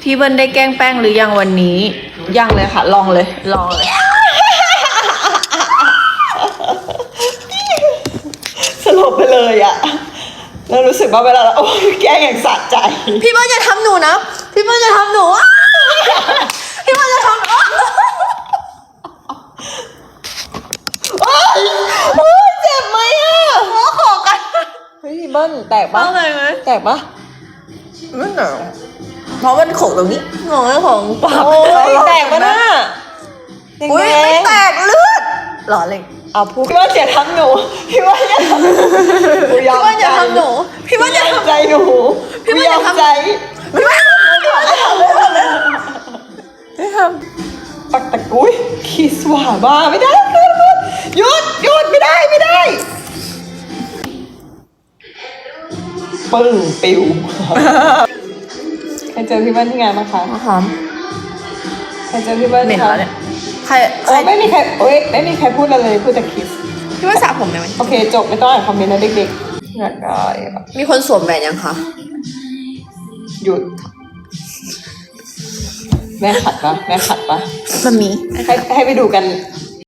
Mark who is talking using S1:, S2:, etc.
S1: พี่เบิ้ลได้แกล้งแป้งหรือยังวันนี้
S2: ยังเลยค่ะ ลองเลย
S1: ลองเลย
S2: สลบไปเลยอะแล้วรู้สึกว่าเวลาเราแกล้งอย่างสะใจ
S1: พี่เบิ้ลจะทำหนูนะพี่เบิ้ลจะทำหนู พี่เบิ้ลจะทำหนู
S2: โอ๊ยเจ็บไหมอะ
S1: ขอกัน
S2: เฮ้ยพี่เบิ้ลแตกปะ
S1: อะไรไหม
S2: แตกปะ
S1: ไม่หนาวเพราะมันโขกตรงนี้งอของปาก
S2: โอ้ยแตกปะน่ะ
S1: อุ้ยไม่แตกเลือดหรอเลย
S2: เอาพูดพี่ว่าอย่าทำหนูพี่ว่าอย่าทำหนู
S1: พี่เบิ้ลจะทำหนูพี่เบิ้ลจะ
S2: ยอม
S1: ทำ
S2: ใจหนู
S1: พี่เบิ้ล
S2: ยอ
S1: จะ
S2: ม
S1: ทำ
S2: ใจ
S1: พี่เบิ้ลจะทำไม่ท
S2: ปักตะกุยขีสว่าบ้าไม่ได้หยุดไม่ได้ปึ้งปิวใครเจอพี่เบิ้ลที่งานบ้างคะ
S1: ำหอม
S2: ใครเจอพี่เบิ้ล
S1: เหม็น
S2: คะ
S1: แล้วเนี่ยใคร
S2: โอ้ไม่มีใครไม่มีใครพูดอะไรเลยพูดแต่คิส
S1: พี่ว่าสระผมได้ไหม
S2: โอเคจบไม่ต้องอ่านคอมเมนต์นะเด็กๆอยากได้แบบ
S1: มีคนสวมแหวนยังคะ
S2: หยุดแม่ขัดปะ
S1: มันมี
S2: ให้ไปดูกัน